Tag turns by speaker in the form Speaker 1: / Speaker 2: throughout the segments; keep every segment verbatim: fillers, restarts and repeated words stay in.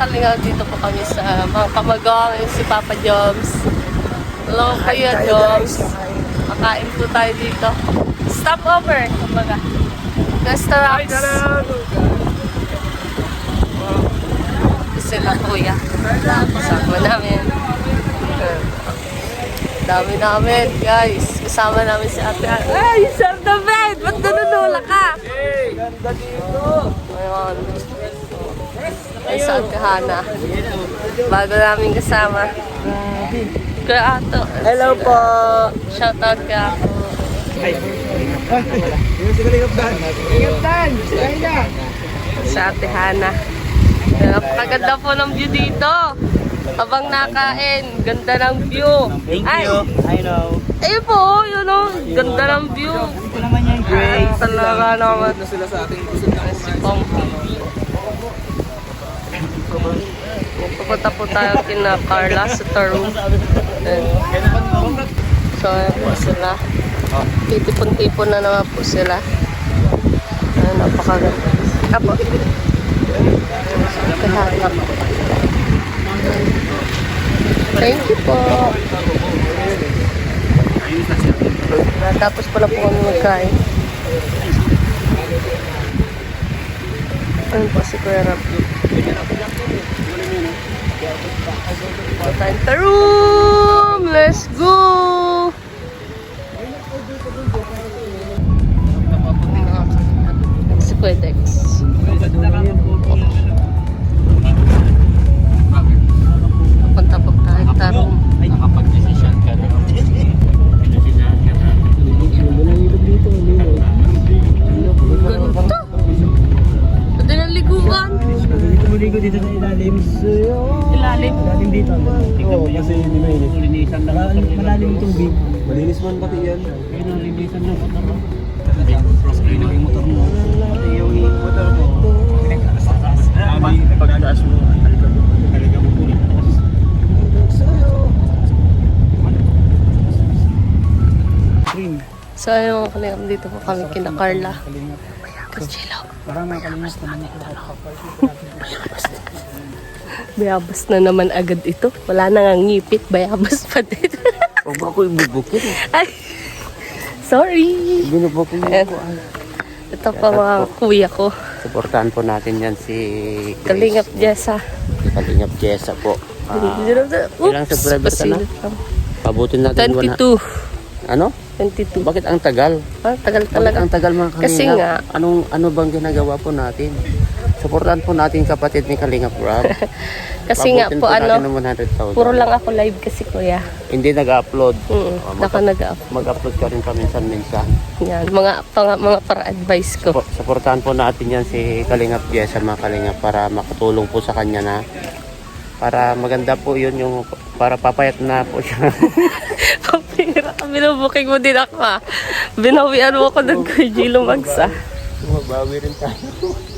Speaker 1: kalinga, dito po kami sa mga kamagong, si Papa Joms. Hello, Kuya Joms. Makain po tayo dito. Stop over, kumbaga. Restaurants. Sila Kuya. Kasama namin. Dami namin, guys. Kasama namin si Ate. Ay, serve the bed! Ba't nanunula ka?
Speaker 2: Hey, ganda dito.
Speaker 1: Ayun. Ay, sa Ate Hana. Bago namin kasama. Kuya Ato.
Speaker 2: Hello po.
Speaker 1: Shout out ka ako. Sa Ate Hana. Napakaganda po ng view dito. Habang nakain, ganda ng view.
Speaker 2: Thank
Speaker 1: Ay,
Speaker 2: you. I know.
Speaker 1: ayun po, yun o. Ganda ng view.
Speaker 2: Ito naman yung Grace.
Speaker 1: Ay, talaga naman.
Speaker 2: Sila sa ating kusog na
Speaker 1: Si Pong P B. Pupunta po tayo kina Carla sa Tarum. So, ayan po sila. Titipon-tipon na naman po sila. Ayan, napakaganda. Apo. Kahanap. Thank you po. Tapos pala po kami magkain. Ayun po si Kuya Rap. Time to room! Let's go! Si Kuya Dex. Punta po tayo tarong.
Speaker 2: Nakapag-decision ka na.
Speaker 1: Ganito. Pwede na liguan.
Speaker 2: Dito maligo dito sa ilalim.
Speaker 1: Ilalim.
Speaker 2: Ilalim dito. Oo, kasi hindi mainit. Linisan na. Malalim yung tubig. Malinis man pati yan. Kaya na linisan ng motor mo. Cross-play na yung motor mo. Pati yung motor mo. Pagkataas mo. Haliga mo po.
Speaker 1: So ayun, kalingap dito po kami kina Carla. Kachilo.
Speaker 2: Parang nakalimos naman ako.
Speaker 1: Bayabas na naman agad ito. Wala na nga ngipit, bayabas pa din.
Speaker 2: Huwag ako ibubukit.
Speaker 1: Ay, sorry.
Speaker 2: Binubukit mo
Speaker 1: Ayan.
Speaker 2: ako.
Speaker 1: Ito pa mga kuya ko.
Speaker 2: Supportahan po natin yan si
Speaker 1: Kalingap Jessa.
Speaker 2: Si Kalingap Jessa po. Ah, ilang
Speaker 1: Oops,
Speaker 2: subscriber ka na?
Speaker 1: pasilip lang.
Speaker 2: Pabutin natin
Speaker 1: twenty-two.
Speaker 2: Ano?
Speaker 1: twenty-two.
Speaker 2: Bakit ang tagal?
Speaker 1: Ah, tagal
Speaker 2: Bakit
Speaker 1: talaga.
Speaker 2: ang tagal mga Kalingap?
Speaker 1: Kasi nga.
Speaker 2: Anong, ano bang ginagawa po natin? Supportahan po natin kapatid ni Kalingap Rob.
Speaker 1: Kasi nga
Speaker 2: Pabutin
Speaker 1: po
Speaker 2: natin
Speaker 1: ano,
Speaker 2: ng one hundred thousand.
Speaker 1: puro lang ako live kasi kuya.
Speaker 2: Hindi nag-upload.
Speaker 1: Mm,
Speaker 2: Ah,
Speaker 1: naka
Speaker 2: mag-
Speaker 1: nag-up.
Speaker 2: Mag-upload ka rin paminsan-minsan.
Speaker 1: Yan, mga, pang, mga para-advice ko.
Speaker 2: Supo- Supportahan po natin yan si Kalingap Jessa mga Kalingap para makatulong po sa kanya na para maganda po yun yung para papayat na po siya.
Speaker 1: Papira, binubuking mo din ako ha. Binawian mo ako ng Kuya Gilo Magsa.
Speaker 2: Mabawi rin tayo.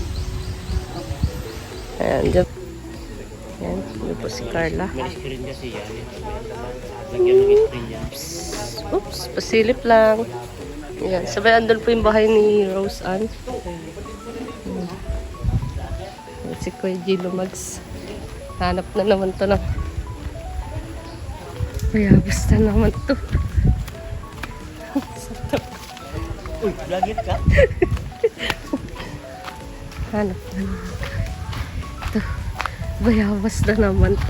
Speaker 1: Ayan, dyan. Ayan, yun po si Carla.
Speaker 2: May screen kasi yan. Lagyan ng screen yan.
Speaker 1: Oops, pasilip lang. Ayan, sabay andun po yung bahay ni Rose Ann. Ayan. Ayan, si Kuya Gilo Mags. Hanap na naman to na. Kaya basta naman to.
Speaker 2: Uy, lagit ka?
Speaker 1: Hanap na naman. Ito. Bayabas na naman to.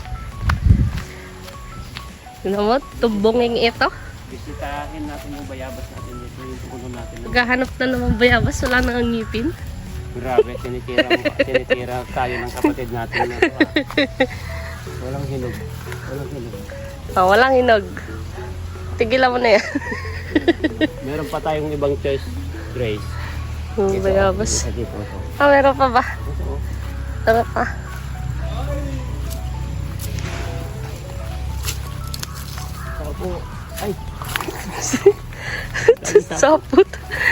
Speaker 1: Yun naman, tumbonging ito.
Speaker 2: Bisitahin natin yung bayabas natin dito. Yung puno natin.
Speaker 1: Maghahanap na naman bayabas, wala nang ang ngipin.
Speaker 2: Grabe, tinitira, tinitira tayo ng kapatid natin. Na, walang hinog. Walang hinog.
Speaker 1: Oh, walang hinog. Tigilan mo na yan.
Speaker 2: Meron pa tayong ibang choice, Grace.
Speaker 1: Yung bayabas.
Speaker 2: Ito, ito, ito.
Speaker 1: Ah, meron pa ba?
Speaker 2: Ito.
Speaker 1: Tara pa.
Speaker 2: Ako, ay,
Speaker 1: Sapot.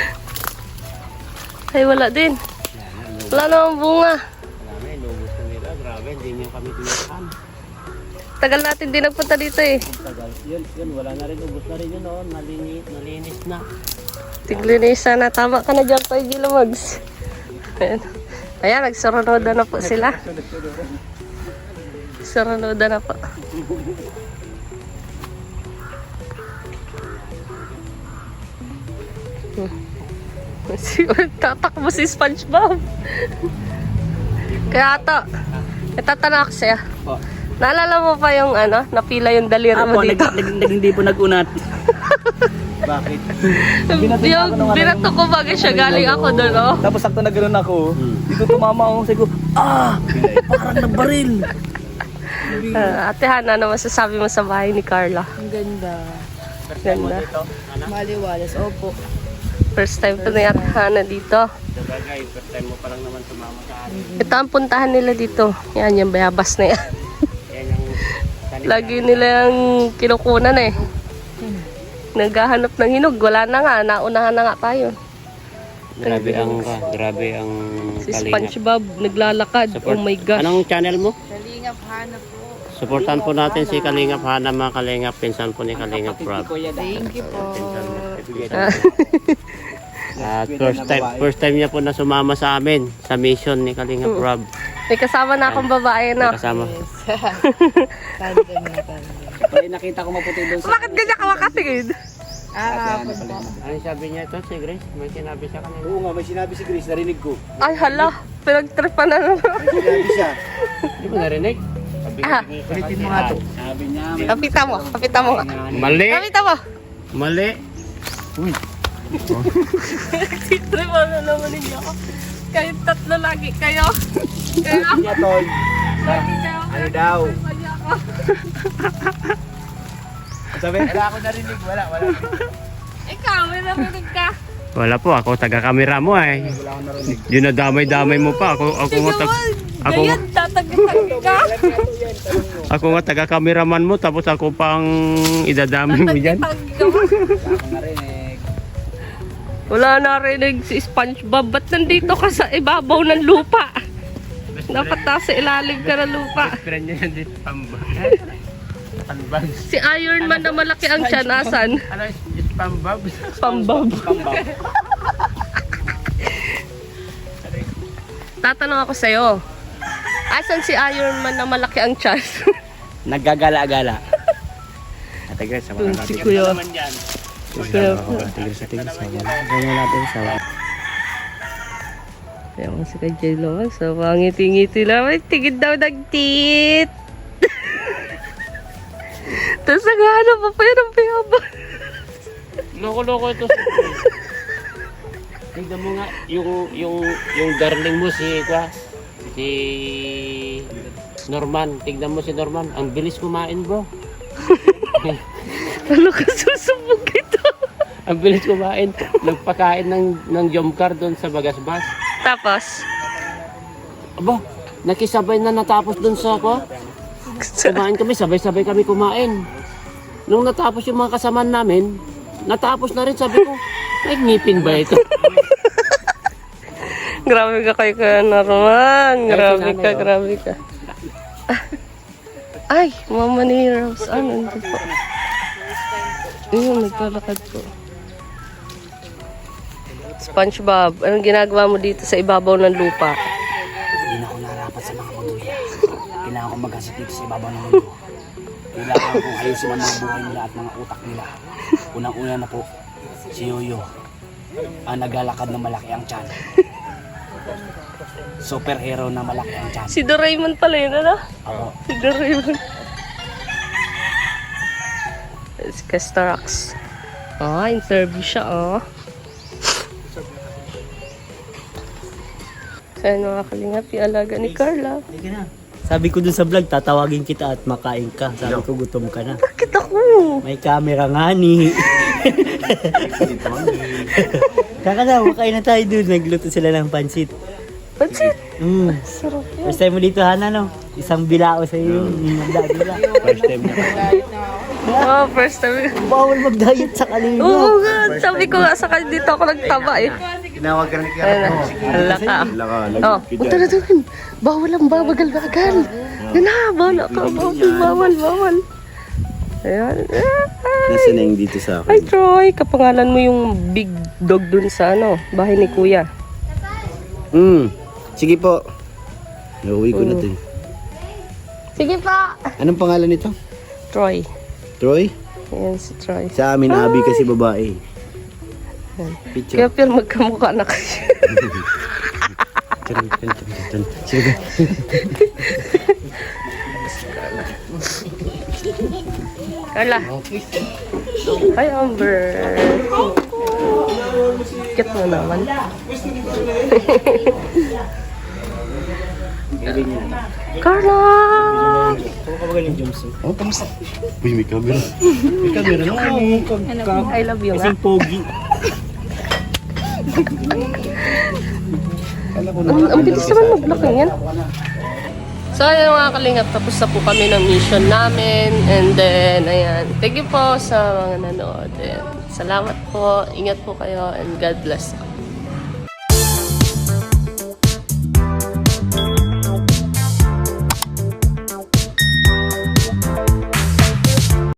Speaker 1: Ay, wala din. Wala namang bunga.
Speaker 2: wala na, inubos na nila. Grabe, hindi niyo kami tinakaan.
Speaker 1: Tagal natin din nagpunta dito eh.
Speaker 2: Tagal. Yun, yun, wala na rin. Ubus na rin yun, oh. Nalinis, nalinis na.
Speaker 1: Tiglinisan na. Tama ka na dyan, Kuya Gilo Mags. Ayan. Ayan, nagsurunoda na po sila. Surunoda na po. Si tatakbo si SpongeBob. Kaya ito, itatanong ako sa'yo.
Speaker 2: Po.
Speaker 1: Naalala mo pa yung ano, napila yung daliri mo
Speaker 2: Apo,
Speaker 1: dito?
Speaker 2: nag, nag, nag, hindi po nag-unat. Bakit?
Speaker 1: Yung binato ko bagay siya, galing ako doon, oh.
Speaker 3: Tapos sakto na ganoon ako, dito tumama ako sa ko, ah! Parang nabaril!
Speaker 1: Uh, Ate Hana, ano masasabi mo sa bahay ni Carla?
Speaker 4: Ang ganda.
Speaker 1: Ganda.
Speaker 4: Maliwalas. Opo.
Speaker 1: First time to na Ate Hana dito.
Speaker 2: Sabagay, first time mo pa lang naman sumama sa amin.
Speaker 1: Ito ang puntahan nila dito. Yan, yung bayabas na yan.
Speaker 2: Yan yung
Speaker 1: Lagi nila yung kinukunan eh. Naghahanap ng hinog. Wala na nga. Naunahan na nga tayo.
Speaker 2: Grabe ang, grabe ang
Speaker 1: Si
Speaker 2: Kalingap.
Speaker 1: SpongeBob naglalakad.
Speaker 2: Support-
Speaker 1: Oh my gosh.
Speaker 2: Anong channel mo?
Speaker 4: Kalingap, hanap po.
Speaker 2: Supportan po natin si Kalingap Hana, mga Kalingap, pinsan po ni Kalingap Rob.
Speaker 4: Thank you po.
Speaker 2: At first time, first time niya po na sumama sa amin sa mission ni Kalingap Rob.
Speaker 1: May kasama na akong babae, no?
Speaker 2: Kasama.
Speaker 4: Tandem na tandem.
Speaker 3: Ay, nakita ko maputi doon sa...
Speaker 1: Bakit ganyan ka makatingin?
Speaker 4: Ah, kapon po.
Speaker 2: Ano sabi niya ito si Grace? May sinabi siya kanina.
Speaker 3: Oo nga, may sinabi si Grace, narinig ko.
Speaker 1: Ay, hala. Pinagtripan na naman.
Speaker 3: May sinabi siya.
Speaker 2: Hindi mo narinig?
Speaker 1: Ah,
Speaker 3: Ulitin mo nga to. Sabi niya, may...
Speaker 1: kapita mo. Kapita mo nga.
Speaker 2: Mali!
Speaker 1: Kapita mo.
Speaker 2: Mali!
Speaker 1: Nagtitripan na naman ninyo ako. Kahit tatlo lagi kayo. Kaya ako.
Speaker 3: niya, Tol.
Speaker 1: Lagi kayo.
Speaker 3: Ano daw?
Speaker 1: Kaya ako.
Speaker 3: Sabi, wala ako narinig, wala, wala.
Speaker 1: Ikaw, may narinig ka.
Speaker 2: Wala po, ako taga-camera mo eh.
Speaker 3: Wala ako narinig.
Speaker 2: Yun na damay-damay mo pa. Ako, ako nga tag... Ako,
Speaker 1: Ganyan, tatagitag ka.
Speaker 2: ako nga taga-cameraman mo, tapos ako pang idadamay mo dyan.
Speaker 1: Tatagitag ka.
Speaker 3: Wala ako narinig.
Speaker 1: Wala narinig si SpongeBob. Ba't nandito ka sa ibabaw ng lupa? Dapat nasa ilalim ka ng lupa.
Speaker 2: Friend niya yan dito, pambag. Pambag.
Speaker 1: Si Iron Man na malaki ang siya, nasan?
Speaker 2: Ano, pambag?
Speaker 1: Pambab. Tatanong ako sa'yo. Asan si Iron Man na malaki ang tiyan?
Speaker 3: Naggagala-gala. Ate Grace, sama
Speaker 1: Dun
Speaker 3: natin.
Speaker 1: si Kuya. Kuya.
Speaker 3: Ate Grace, Ate Grace, sama natin. Ganyan natin sa...
Speaker 1: Kaya mo si Kay J-Lo. So, pangiti-ngiti lang. May tigid daw nagtit. Tapos naghahanap pa pa yun ang piyabang.
Speaker 2: Loko-loko ito. Tignan mo nga, yung, yung, yung darling mo si, kwa, si Norman. Tignan mo si Norman. Ang bilis kumain, bro.
Speaker 1: Ano ka susubog ito?
Speaker 2: Ang bilis kumain. Nagpakain ng, ng jomcar doon sa Bagasbas.
Speaker 1: Tapos,
Speaker 2: Aba, nakisabay na natapos doon sa kwa. Kumain kami, sabay-sabay kami kumain. Nung natapos yung mga kasama namin, natapos na rin, sabi ko, may ngipin ba ito?
Speaker 1: grabe ka kay Kuya Norman. Grabe ka, grabe ka. Ah. Ay, mama ni Rose. Ano ito po? Ayun, naglalakad po. SpongeBob, anong ginagawa mo dito sa ibabaw ng lupa?
Speaker 3: Hindi na ako narapat sa mga muduya. Kailangan ko maghasik dito sa ibabaw ng mundo. Kailangan kong ayusin ang mga buhay nila at mga utak nila. Unang-una na po, si Yoyo. Ang naglalakad na malaki ang tiyan. Superhero na malaki ang tiyan.
Speaker 1: Si Doraemon pala yun, ano?
Speaker 3: Ako,
Speaker 1: Si Doraemon. Si Castarox. Ah, interview siya, oh. Saan mga kalingap yung alaga ni Carla?
Speaker 3: sabi ko dun sa vlog, tatawagin kita at makain ka. Sabi ko, gutom ka na.
Speaker 1: Bakit ako?
Speaker 3: May camera nga ni. Kaka na, makain na tayo dun. Nagluto sila ng pansit.
Speaker 1: Pansit?
Speaker 3: Mm.
Speaker 1: Sarap yun.
Speaker 3: First time mo dito, Hana, no? Isang bilao sa iyo. Mm.
Speaker 2: First time na.
Speaker 1: Oh, first time.
Speaker 3: Bawal mag-diet sa kanila.
Speaker 1: Oo nga, sabi ko nga sa kanya dito ako nagtaba eh.
Speaker 5: Tinawag ka na ni
Speaker 1: Ayun na, ala ka.
Speaker 5: Laka,
Speaker 1: Oh, punta na doon. Bawal ang babagal-bagal. Yan na, bawal ka. Bawal, bawal, bawal. Ayan.
Speaker 5: Nasaan na yung dito sa
Speaker 1: Ay,
Speaker 5: akin?
Speaker 1: Troy, kapangalan mo yung big dog dun sa ano, bahay ni Kuya.
Speaker 2: Hmm.
Speaker 5: Sige po. Nauwi ko na to. eh.
Speaker 1: Sige pa!
Speaker 5: Anong pangalan nito?
Speaker 1: Troy.
Speaker 5: Troy?
Speaker 1: Ayan si Troy.
Speaker 5: Sa amin, Abi kasi babae. Picture.
Speaker 1: Kaya pero magkamukha na kayo.
Speaker 5: Tun, tun, tun, tun, tun. Sige.
Speaker 1: Carla. Hi, Amber. Cute mo naman. Carla!
Speaker 5: Oh, kamusta? Uy, may camera. May camera na.
Speaker 1: I love you nga.
Speaker 5: Pogi.
Speaker 1: Ang, ang bilis naman mag-blocking yan. So, ayun mga kalingap, tapos na po kami ng mission namin. And then, ayan. Thank you po sa mga nanood. And salamat po. Ingat po kayo. And God bless.